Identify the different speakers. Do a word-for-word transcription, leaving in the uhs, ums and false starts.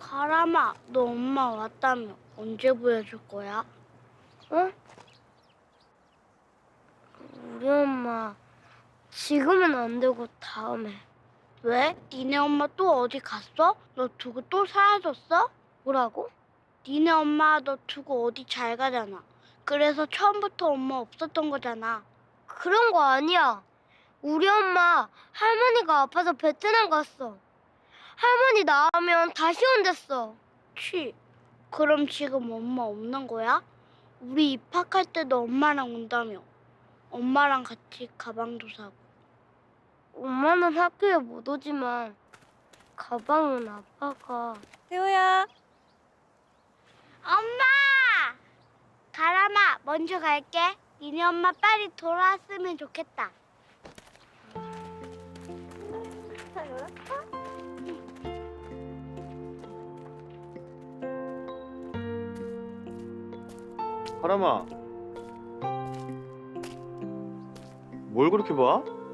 Speaker 1: 가람아, 너 엄마 왔다며. 언제 보여줄 거야?
Speaker 2: 어? 우리 엄마 지금은 안 되고 다음에.
Speaker 1: 왜? 니네 엄마 또 어디 갔어? 너 두고 또 사라졌어?
Speaker 2: 뭐라고?
Speaker 1: 니네 엄마 너 두고 어디 잘 가잖아. 그래서 처음부터 엄마 없었던 거잖아.
Speaker 2: 그런 거 아니야. 우리 엄마 할머니가 아파서 베트남 갔어. 할머니 나으면 다시 온댔어.
Speaker 1: 취. 그럼 지금 엄마 없는 거야? 우리 입학할 때도 엄마랑 온다며. 엄마랑 같이 가방도 사고.
Speaker 2: 엄마는 학교에 못 오지만 가방은 아빠가.
Speaker 3: 태호야.
Speaker 1: 엄마! 가람아, 먼저 갈게. 니네 엄마 빨리 돌아왔으면 좋겠다.
Speaker 4: 하람아, 뭘 그렇게 봐?